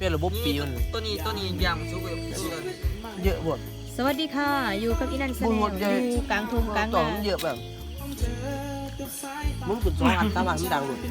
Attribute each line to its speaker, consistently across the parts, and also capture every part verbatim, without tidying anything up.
Speaker 1: เป็นระบบปีมัน
Speaker 2: ตัวนี้ตัวนี้ยำซุปแบบ
Speaker 1: เยอะหมด
Speaker 3: สวัสดีค่ะอยู่กับอีนันแสดงอยู่กลางทุ่งกลาง
Speaker 1: ต่อ
Speaker 3: นา
Speaker 1: มันเยอะแบบมึงกุดสองอันสามอันมันดังหมด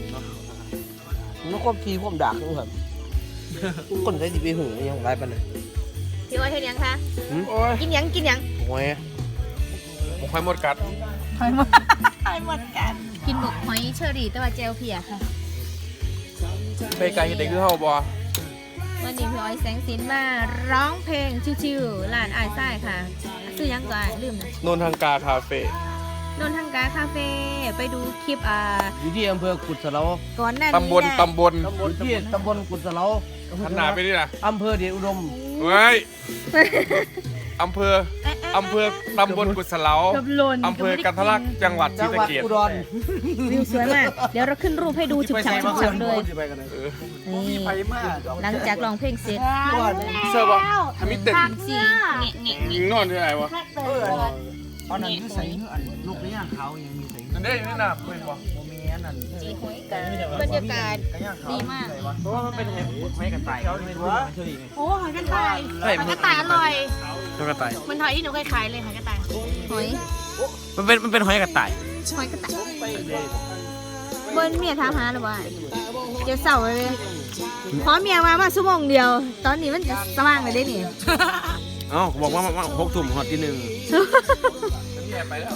Speaker 1: มันควบทีควบดักนึงครับคนใช้ดีไปหูยังไรปะเนี่ย
Speaker 3: พี่อ้อยเฮ็ดยังคะ
Speaker 4: โอ้ย
Speaker 3: กินยังกินยัง
Speaker 1: โอ้ย
Speaker 4: ผมควายหมดกัด
Speaker 3: หอยหมดหอยหมดกันกินหมกหอยเชอรี่แต่ว่าเจลเพียค่ะ
Speaker 4: ไปไกลเห็นได้คือเฮาบ่
Speaker 3: วันนี้พี่อ้อยแสงสินมาร้องเพลงชิวๆร้านอายซ้ายค่ะซื้อยังก่อนลืมนะ
Speaker 4: นนทางกาคาเฟ่
Speaker 3: นนทังกาคาเฟ่ไปดูคลิปอ่า
Speaker 1: อยู่ที่อำเภอกุดสะเลา
Speaker 3: ก่อนหน้านี้
Speaker 4: ตำบล
Speaker 3: นะ
Speaker 4: ตำบล
Speaker 1: อยู่ที่ตำบลกุดสะเลา
Speaker 4: หันหน้าไปนี่นะ
Speaker 1: อำเภอเดชอุดม
Speaker 4: เฮ้ยอำเภออำเภอตำบลกุศลา
Speaker 3: กับหล่น
Speaker 4: อำเภอกันทะลักจังหวัดศรี
Speaker 1: จังห
Speaker 4: สะ
Speaker 1: วัด
Speaker 4: เกษ
Speaker 1: อุดร
Speaker 3: วิวสวยมากเดี๋ยวเราขึ้นรูปให้ดูฉุบฉับฉุบฉับเลย
Speaker 4: เออ
Speaker 3: นี่หลังจากร้องเพลงเสร็จ
Speaker 4: เสื้อบ่ทำมิเต็ด
Speaker 3: สีเงะเงะเงะ
Speaker 4: นอนที่ไหนวะ
Speaker 1: อันนั้นคือใส่อันลูกนี้เขายังมีใส่
Speaker 4: นั่นได้นี่นะเพื่อนบ่
Speaker 1: โมเมนนั่น
Speaker 3: จีหอยกันบรรยากาศดีมาก
Speaker 1: เพราะว่ามันเป็นเห็ดไม้กันไต่เขาเป็นว่าเฉย
Speaker 5: โอ้หอยกระต่ายหอยกระต่ายอร่อย
Speaker 4: ตัวกระต่าย
Speaker 5: มันหอยที่หนูเคยขายเลยหอยกระต่าย
Speaker 3: หอย
Speaker 4: มันเป็นมันเป็นหอยกระต่าย
Speaker 3: หอยกระต่ายเบิ้ลเมียถามหาหรือว่าเจ้าเสาเลยขอเมียมามาชั่วโมงเดียว ตอนนี้มันจะสว่างเลยได้นี่
Speaker 4: เอ้าบอกว่าหกทุ่มฮอตที่หนึ่งไปแล้ว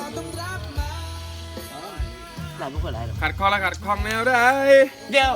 Speaker 1: หลายไม่ค่อยหลายหรอก
Speaker 4: ขัดคอละขัดคองแนวได้เดี๋ยว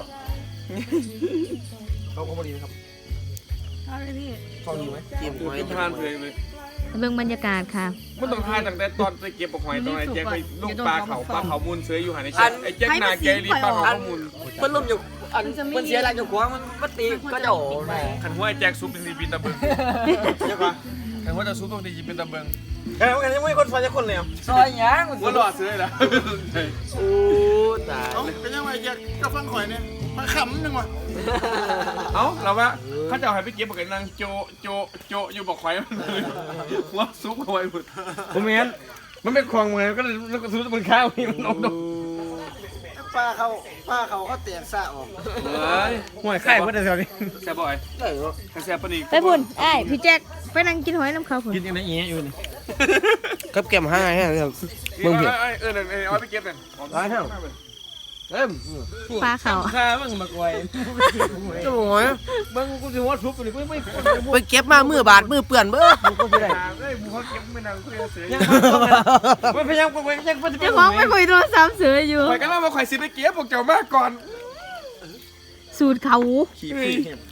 Speaker 1: เขาเขาบริครับ
Speaker 5: เอาเลยพี่
Speaker 1: เขาดีไหมเกมหอย
Speaker 4: เป็นทานเลยเลย
Speaker 3: เบิ่งบรรยากาศค่ะ
Speaker 4: มันต้องทานตั้งแต่ตอนไปเก็บปลาหอยตอนไหนแจ็คไปลูกปลาเขาปลาเขามูลเสืออยู่หันไอ้แจ็คไอ้แจ็คนาเกลีปลาเขามูล
Speaker 2: มันล่มอยู่อันมันเสียอะไรอยู่ขวางมันมันตีก็จะโอ้ย
Speaker 4: ขันหัวไอ้แจ็คซุปเป็นสีปีตะเบิงใช่ปะขันหัวจะซุปตรงที่เป็นตะเบิง
Speaker 2: แค่กันยังไม่คนฟังจะคนเลยซอยยางมัน
Speaker 4: หัวหลอดซื้อเลยนะ
Speaker 2: โอ้ตาย
Speaker 6: เป็นยังไงแจ็คก็ฟังข่อยเนี่ยมาขำหนึ่งว่ะ
Speaker 4: เอ้าเราว่าเขาจะเอาให้ไปเก็บปากกันนางโจโจโจอยู่บอกไข่หัวซุปเอาไว้หมดผมเห็นมันเป็นควงมือก็เลยซุปมันข้าวนี่มันนกดก
Speaker 6: ป้าเขาป้าเขาเขาเตียงซะออก
Speaker 4: เฮ้ยห่วยไข่เพื่อนแถวนี้แซ่บบ่อยแซ่บปนี
Speaker 3: ไปพุ่นไอ้ายพี่แจ็คไปนั่งกินหอยน้ำเขาพุ่น
Speaker 4: กินยังไงเงี้ยอยู่นี่
Speaker 1: กับเกมห้าไงครับ
Speaker 4: เออเออเออเอาไปเก็บเลย
Speaker 1: ร้ายเท่าเอ็ม
Speaker 3: ปลาเขา
Speaker 4: ข้ามึงมาก่อย
Speaker 1: จะบอกว่า
Speaker 4: มึงกูจะหัวซุปนี่ไม่ไม่
Speaker 1: ไปเก็บมามือบาดมือเปื่อนเบ้อกูก็ไม่ได้
Speaker 4: เฮ้ยมึงเขาเก็บไม่นานกูจะเสีย
Speaker 1: ไม่พยายามไปยังไป
Speaker 3: เจ้าของไม่คุยโทรศัพท์เสืออยู่
Speaker 4: ข่อยกันแล้วมาข่อยสิไปเก็บพวกเจ้ามากก่อน
Speaker 3: สูตรเขา
Speaker 4: ขี่พี่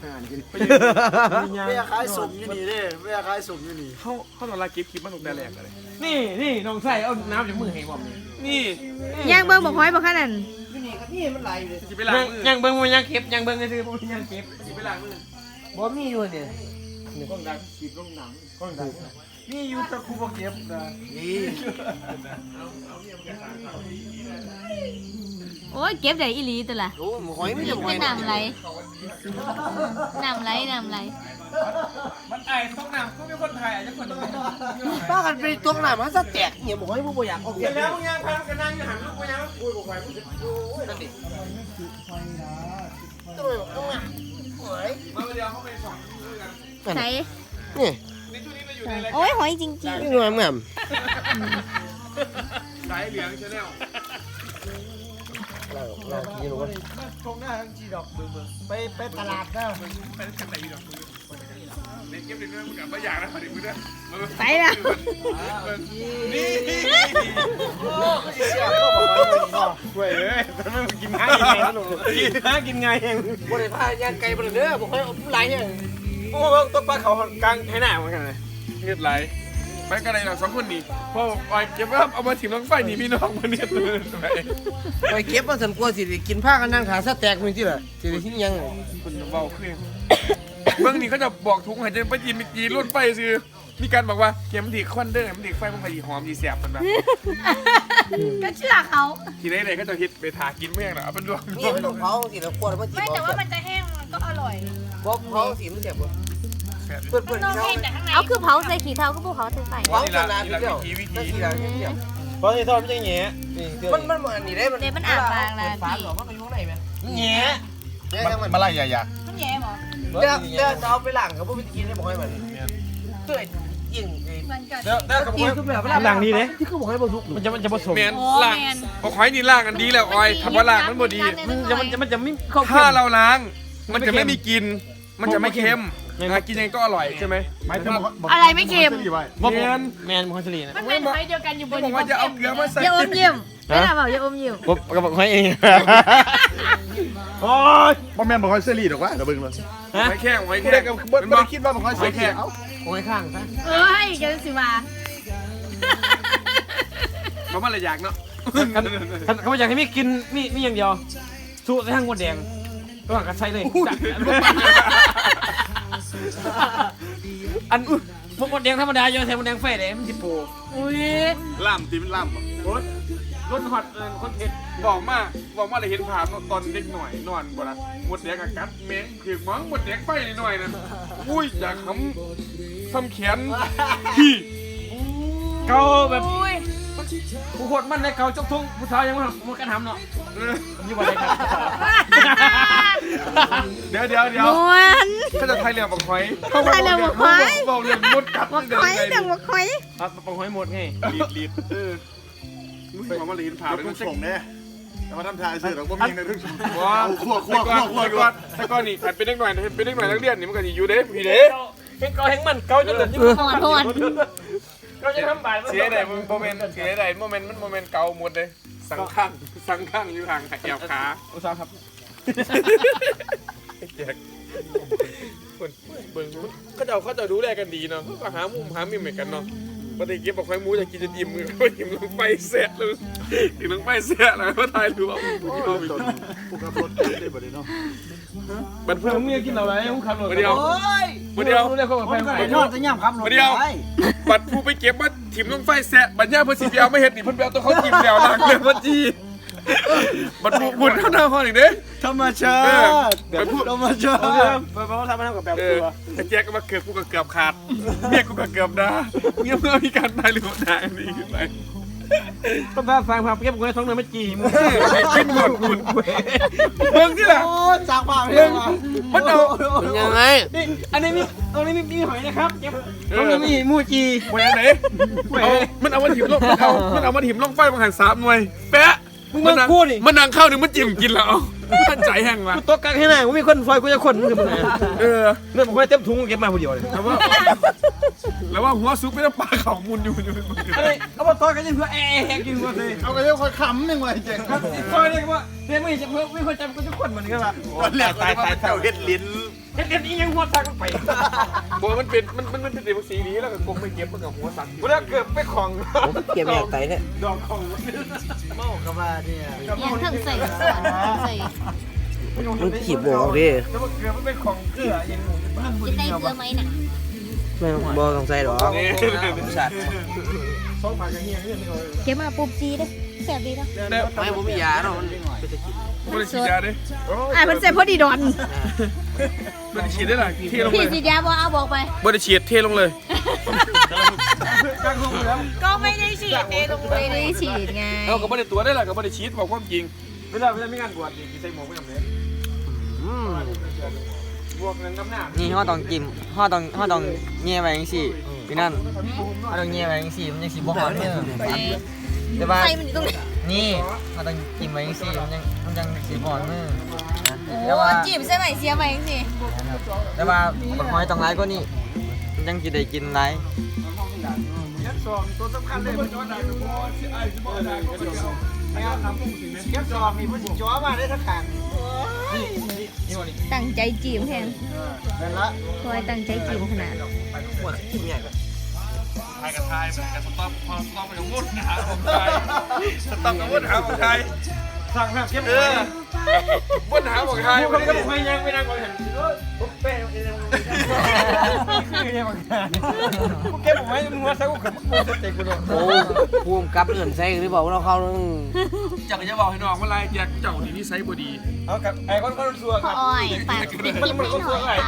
Speaker 6: เวียขายสมอยู่นี่เด้เวียขายสมอยู่นี่
Speaker 4: เขาเขาตอนแรกเก็บคลิปมาตกแต่แรกเลย
Speaker 1: นี่นี่น้องใส่เอาน้ำจากมือให้ผมนี่
Speaker 4: นี่
Speaker 3: ย่างเบิ่งบอกหอยบอกขนาด
Speaker 1: นี่มันไหลเลย
Speaker 4: จะไปล้างมือ
Speaker 1: ยังเบิ้งมันยังเก็บยังเบิ้งเลยคือมันยังเก็บ
Speaker 4: จะไปล้างมือ
Speaker 1: บ่มีอยู่เนี่ย
Speaker 4: กล้องดังขีดกล้องหนัง
Speaker 1: นี่อยู่ตะคูบ่เก็บนะนี่
Speaker 3: โอ้ยเก็บได้อีหลีตัวละ
Speaker 1: โอ้หอยไม่จะหอย
Speaker 3: เป็นน้ำไหลน้ำไหลน้ำไหล
Speaker 4: มันไอ้ต้องหนังก็มีคนถ่ายอาจจะคนนึง
Speaker 1: ป้ากันไปตัวหน้ามันซะแตกเนี่ยบอกให้ผู้บ่อยากออก
Speaker 4: เห็นแล้วมึงยังพากันนั่งอยู่หันลูกไปยังคุยกับใครมึง
Speaker 1: นั่นดิตัวต้องอ่ะหอย
Speaker 4: มาเดียวเขาไปสองกัน
Speaker 3: ใส่
Speaker 1: นี่
Speaker 4: ในช่วงนี้เราอยู่ในราย
Speaker 3: โอ้ยหอยจริง
Speaker 1: นี่หน่อยแม่ม
Speaker 4: สายเหลืองชาแนล
Speaker 1: เราเรากินรู้ว่า
Speaker 6: ตรงหน้าทั้งจีดอกเบิ่งเบิ่งไปไปตลาดนะ
Speaker 4: ไปกันไหนดอกเล่นเก็บเล่นด้วยมึงกับไม่อยากนะพอดีมึงด้วย
Speaker 3: ๆไปละ
Speaker 4: นี่
Speaker 6: เสียก็บอกว่าไม่นอก
Speaker 4: เว้ยเอ้ยทำไมมึงกินง่ายยังไงกินง่ายกินง่ายยัง
Speaker 1: บ่ได้พาย่างไก่บ่ได้เด้อบ่ค่อยเอาผู้หลายเนี่ย
Speaker 4: โอ้ตัวปลาเขากลางให้หน้าเหมือนกันเลยเฮ็ดไรไปกันไหนเราสองคนนี่พอปล่อยเก็บว่าเอามาถิ่มลงไฟนี่พี่น้องมันเนี่ยตัวไหน
Speaker 1: ไปเก็บมาสันกลัวสิได้กินผ้ากันนั่งขาซะแตกมื้อที่ล่ะสิได้กินยัง
Speaker 4: คุณเบาขึ้นเบื้องนี้เขาจะบอกทุกหายใจไปจีนจีรุ่นไฟซื้อมีการบอกว่าเข็มดีควันเด้อมันดีไฟมันไปหอมดีแสบมันแบบ
Speaker 5: ก็เชื่อเขา
Speaker 4: ทีนี้เลยก็จะฮิตไปถากินเมี่ยงนะเอาเป็นดวง
Speaker 1: นี่มันต้องเผาสิแล้วกลัวมันสิ
Speaker 5: ไม่แต่ว่ามันจะแห้งมันก็อร่อย
Speaker 1: บ่เผาสิมันแซ่บบ่เพิ่นเพิ่น
Speaker 5: ต้อง
Speaker 1: เผา
Speaker 5: แห้งแต่ข้างใน
Speaker 3: เอาคือเผาใส่ขี้เท้าก็พวกเขาใส่ไฟ
Speaker 1: เผาขนาดนี้เดียวนั่นสิล่ะเดียว
Speaker 6: เพราะที่ทอดมันจะเงี้ย
Speaker 1: มันมันอันนี้ได้มัน
Speaker 3: เดี๋ยวมันอาบบางละ
Speaker 1: ฝา
Speaker 3: พี่
Speaker 1: หรอมันก็อยู่ข้างในแม่
Speaker 6: เงี้ย
Speaker 1: แย่มัน
Speaker 6: มาไล่ใหญ่
Speaker 5: มันแย่หรอ
Speaker 6: ๆ
Speaker 1: เดี๋ยวเดี๋ยวจะเอาไปหลังกับพวกพี่กินได้บอกให้มันเตื่อยยิง
Speaker 5: มันกัน
Speaker 4: เดี๋ยวเดี๋ยวกับ
Speaker 1: กินทุกแบบเวลา
Speaker 4: ล่างดีเด้
Speaker 1: ที่เขาบอกให้บรรทุก
Speaker 4: มันจะมันจะผสมแมน
Speaker 5: โอ้
Speaker 4: ล่าง
Speaker 5: แมน
Speaker 4: บอกหอยนี่ล่างกันดีแล้วออยทำว่าล่างมันบ่ดี
Speaker 3: มันจะมันจะมันจะไม่เข้า
Speaker 4: ถ้าเราล้าง มันจะไม่มีกลิ่นมันจะไม่เค็มหากินยังก็อร่อยใช่ไหม
Speaker 5: อะไรไม่เค็ม
Speaker 4: แมน
Speaker 1: แมนมันคอนเทลีนะ
Speaker 5: มันเป็นไฟเดียวกันอยู่บน
Speaker 4: บอกว่าจะเอาเกลือมาใส่
Speaker 3: อย่าอมยิ้มไม่ทำเอาอย่าอมยิ้ม
Speaker 1: ผมก็บอกให้เอง
Speaker 4: โอ้ย
Speaker 6: บ่แม่นบ่ค่อยเสรีดอกว่าเดี๋ยวเบิ่งเลย
Speaker 4: หอยแข้งหอย
Speaker 6: บ่
Speaker 4: แข้
Speaker 6: ได้
Speaker 4: ง
Speaker 6: ก็บ่ได้คิดว่าบ่ค่อยเสรีเอ้า
Speaker 1: โอ้ยข้างซะ
Speaker 5: เอ้ยเดี๋ยวสิว่า
Speaker 4: มันมันละอยากเนาะ
Speaker 1: เขาอยากให้มีกินมีมีอย่างเดียวสู้ใส่ทั้งหมดแดงระหว่างกันใส่เลยอันพวกหมดแดงธรรมดาโยนใส่หมดแดงไฟเลยมันจิโป
Speaker 5: อุ้ย
Speaker 6: ล่ามตีมันล่ามบ่
Speaker 1: รถฮอตคอนเทนต์
Speaker 4: บอกมาบอกมาเลยเห็นภาพตอนเด็กหน่อยนอนบ่ละหมดแดงกับกัดเม้งถือมั้งหมดแดงไฟหน่อยนั่นอุ้ยอยากทำทำแขนพี่
Speaker 1: เกาแบบ
Speaker 5: อุ้ย
Speaker 1: ผู้คนมันในเกาจกทุ่งผู้ชายยังมันมันกันทำเนาะยี่วันไหนครับ
Speaker 4: เดี๋ยวเดี๋ยวเดี๋ยว
Speaker 3: ม้วน
Speaker 4: เขาจะไทยเรือบักหอย
Speaker 3: เขาไทยเรือบักหอย
Speaker 4: บอกเรื่องมดกัด
Speaker 3: บักคอยดังบักคอย
Speaker 1: ครับปองหอยหมดไง
Speaker 6: ลีดลีด
Speaker 4: เออบอกมาเลยเห็นภาพ
Speaker 6: เดี๋ยว
Speaker 4: เลย
Speaker 6: กู
Speaker 4: มันจะ
Speaker 6: ส่งแน่แต่ว่าทำทายซื้อดอกบ่มีในเรื่อง
Speaker 4: ว้า
Speaker 6: คั่วคั่วคั่วคั่ว
Speaker 4: ก่อนแต่ก่อนนี่ขันเป็นเด็กหน่อยเป็นเด็กหน่อยนักเรียนนี่มันก็อยู่เด้พี่เด้
Speaker 1: เห็นเกาเห็นมันเกาจนเหลือที่
Speaker 3: หอนหอน
Speaker 1: เกาจะทำบ่าย
Speaker 4: เสียใดโมเมนต์เสียใดโมเมนต์มันโมเมนต์เก่าหมดเลยสังข้างสังข้างอยู่ห่างแอบขา
Speaker 1: อุตสาหครับ
Speaker 4: แจกคนเบิ่งเขาเจ้าเขาเจ้าดูแลกันดีเนาะเขาก็หามุมหามิมเหมือนกันเนาะปฏิกิริยาบอกไฟมูจะกินจะอิ่มมือก็อิ่มลงไปเสร็จเลยอิ่มลงไปเสร็จแล้วก็ทายรู้ว่า
Speaker 6: ผู้ขับรถได้บ่ได้เนาะ
Speaker 4: บันเพิ่
Speaker 1: ผม มมีกินอะไรผมขับรถ
Speaker 4: มาเดียวมาเดียว
Speaker 1: รู้เลยเขาบอกไป
Speaker 6: ไปนอนจะย่ำครับ
Speaker 4: มาเดียวบัดผู้ไปเก็บมาถิ่มลงไฟแสะบัดย่าเพิ่นสิไปเอาไม่เห็ดนี่เพิ่นไปเอาตัวเขาถิ่มแล้วล้างเลยว่าจีบัดผู้บุญเท่าหน้าห้องอีกเด้
Speaker 6: ธรรมชาติเดี๋ยวพูดธรรมชาติ
Speaker 1: ไปไปเขาทำมาทำกับแบบ
Speaker 4: เอ
Speaker 1: ตั
Speaker 4: อ
Speaker 1: ว
Speaker 4: แต่แจ๊กก็มาเกือบกูก็เกือบขาดเมียกูก็เกือบด่าเงี้ยเมื่อมีการตายหรือว่าด่านี่ขึ้นไป
Speaker 1: ต้องพาฟังพาเก็บคนท้องเนื้อไม่จีมึง
Speaker 4: ขึ้นหมดคุณเบิ่งที่ล่ะ
Speaker 6: โอ้จากป่าเรื่อง
Speaker 4: มันเอา
Speaker 1: ยังไงนี่อันนี้มีตรงนี้มีมีหอยนะครับเก็บตรงนี้มีมูจี
Speaker 4: หวยอันไหนเอามันเอามาถิ่มลงมันเอามันเอามาถิ่มลงไฟมาหันสามหน่วยแปะ
Speaker 1: มึงมาพูดดิ
Speaker 4: มันนังเข้าหนึ่งมันจิ้มกินแล้วมันใจแห้งว่ะ
Speaker 1: กูตกกลางให้หน้ากูมีคนซอยกูจะคนมึงมึง
Speaker 4: เออ
Speaker 1: เรื่องผมเต็มถุงเก็บมาคนเดียวเลย
Speaker 4: แล้วว่าแล้วว่าหัวซุปไม่ต้องปลาเขามุนอยู่อยู่
Speaker 1: อะไรเอามาต่อกันยังเพื่อแอะแหกอยู่ว่าเลย
Speaker 6: เอาไปเรียกคนขำหนึ่งไว้เจ๋งครับ
Speaker 1: ซอยเรียกว่าเรียกไม่จะเพื่อไม่คนจำกูจะคนเหมือนกันว่ะ
Speaker 6: ตายตายตายเจ้าเฮ็ดลิ้น
Speaker 1: เฮ็ดเฮ็ดอียังหัวซักไป
Speaker 4: บอกมันเป็นมันมันมันเป็นสีนี้แล้วก็กงไม่เก็บมันกับหัวสัก
Speaker 1: กูแล้วเกือบไปของ
Speaker 2: เก็บแยกไตเนี่ย
Speaker 1: ดอกของ
Speaker 6: เมากับว่าเนี่ย
Speaker 3: ยังถึงใส่ส่วนใส่
Speaker 2: มันขีบบอกดิ
Speaker 1: แล้วเกือบไปของเกลือยังหมู
Speaker 3: จะได้เกลือไหมน่ะ
Speaker 2: ไม่บอต้องใส่หรอก
Speaker 4: สัตว์
Speaker 1: สองผักอย่างเงี้ยเรื่องนี้เลย
Speaker 3: เก็บมาปุ๊บจีเด้แซ่บดีเนาะ
Speaker 2: ไม่ผมมียาเนาะมัน
Speaker 4: มันฉีดยาดิ
Speaker 3: อ่ะมันใส่พอดีดอน
Speaker 4: มันฉีดได้หรอเทลง
Speaker 3: พี่
Speaker 4: เลย
Speaker 3: สีดาบ่เอาบอกไป
Speaker 4: บริฉีดเทลงเลย
Speaker 5: ก็ไม่ได้ฉีดเองลง
Speaker 3: ไม่ได้ฉีดไง
Speaker 4: เอากับบริตัวได้หรอกับบริฉีดบอกความจริง
Speaker 1: เวลาเวลามีงานบวชนี่ใส่หมวกไม่จำเป็นบวกเงินน้ำหนัก
Speaker 2: นี่ห่อต้องจิ้มห่อต้องห่อต้องแง่ไว้จังซี่พี่นั่นห่อต้องแง่ไว้จังซี่มันยังสิบ่ฮอดเด้อแต่ว่า
Speaker 3: ใส่มันอยู่ตรงนี้
Speaker 2: นี่ห่อต้องจิ้มไว้จังซี่มันยังมันยังสิบ่ฮอดมือ
Speaker 3: โอ้
Speaker 2: แต่ว่า
Speaker 3: จีบใส่ไหมเสียไหมสิ
Speaker 2: แต่ว่าบักหอยต้องหลายกว่านี้มันยังสิได้กินหลาย
Speaker 1: ตัวสำคัญเลยมันจะได้กับพ่อสิไอ้สิบ่ได้ก็เดี๋ยวไม่เอาทำปุ๊บสิแม่
Speaker 6: เก็บจอบนี่มันสิจ้อมาได้ทั้งขัง
Speaker 3: ตั้งใจจีบแทน
Speaker 6: นั่นละ
Speaker 3: คอยตั้งใจจีบขนาด
Speaker 4: ทายกับทายกับสต๊อปพอสต๊อปไปกับวุ้นหาของไทยสต๊อปกับวุ้นหาของไทย
Speaker 1: สั่งแบบเก็บ
Speaker 4: เออวุ้นหาของไทย
Speaker 1: ผมก็ไม่ยังไม่นั่งก่อนเห็นผมแป้งเองคือยังไงกูเก็บผมไว้มึงว่าสักกูกับกูจะเตะกูโดน
Speaker 2: โอ้ภูมิกับเอื่นใส่หรือเปล่าเราเข้า
Speaker 4: จักจะบอกให้น้องว่าไรแจกเจ้านี่นิสัยบ่ดี
Speaker 1: เอากับไอ้คนคนซัว
Speaker 3: พ่
Speaker 1: ค
Speaker 3: อ
Speaker 1: รับ
Speaker 3: อ้อยฝากปิดคลิปให้หน่อยค่ะ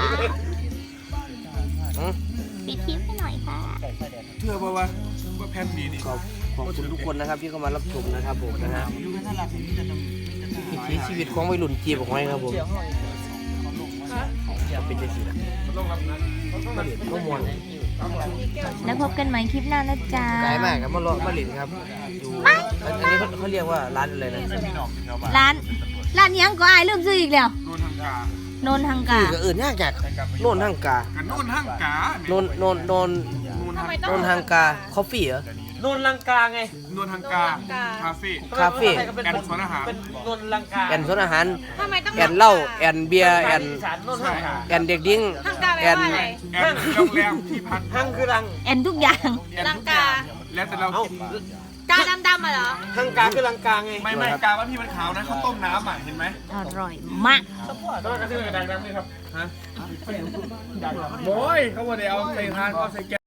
Speaker 3: ปิดคลิปให้หน่อยค่ะ
Speaker 4: เชื่อป่าวว่าว่าแพนดีนี่
Speaker 2: ขอบขอบคุณทุกคนนะครับที่เข้ามารับชมนะครับผมนะฮะวิถีชีวิตของวัยรุ่นจีบของไว้ครับผมจะเป็นจังซี่ล่ะ
Speaker 4: ต้องรับนะ
Speaker 2: บ่ม่วน
Speaker 3: แล้วพบกันใหม่คลิปหน้านะจ๊ะ
Speaker 2: ไกลมากครับมารอมาเล่นครับอยู่อันนี้เขาเขาเรียกว่าร้านอะไรนะ
Speaker 3: ร้านร้านยังก็อายลืมซื้ออีกแล้ว
Speaker 4: โน่นทางกา
Speaker 3: โนนทางกา
Speaker 2: ก็อื่นยากจากโน่นทางกา
Speaker 4: กันโน่นทางกา
Speaker 2: โน่นโน่นโน่น
Speaker 5: ทำไมต้
Speaker 2: โน่
Speaker 5: อง
Speaker 2: นทางกาคอฟฟี่เหรอ
Speaker 1: โนนลังกาไง
Speaker 4: โน่นทางกาคาเฟ่
Speaker 2: คาเฟ่
Speaker 4: แอนสวนอาหาร
Speaker 1: เป็นโนนลังกา
Speaker 2: แอนสวนอาหาร
Speaker 5: ทำไมต้อง
Speaker 2: แอนเหล้าแอนเบียร์แอน
Speaker 1: อีสานโนนลังกา
Speaker 2: แอนเด็กดิ้ง
Speaker 5: ทางกาแป
Speaker 2: แอ
Speaker 5: ล
Speaker 2: น
Speaker 5: ว่าอะไร
Speaker 4: แอนโรงแรมที่พัก
Speaker 1: หังคือลัง
Speaker 3: แอนทุกอย่าง
Speaker 4: แอน
Speaker 5: ลัง
Speaker 4: ทุกอก
Speaker 5: า
Speaker 4: ย่างแล้วแต่เรา
Speaker 1: เอ้า
Speaker 4: คิด
Speaker 5: กาดำๆอ่ะเหรอ
Speaker 1: หังกาคือลังกาไง
Speaker 4: ไม่ไม่กาว่าพี่มันขาวนะเขาต้มน้ำอ่ะเห็นไหม
Speaker 3: อร่อยมาก
Speaker 4: ก็กระทืบกระดังน้ำนี่ครับฮะโอ้ยเขาบอกเดี๋ยวเอาใส่ทานเขาใส่แก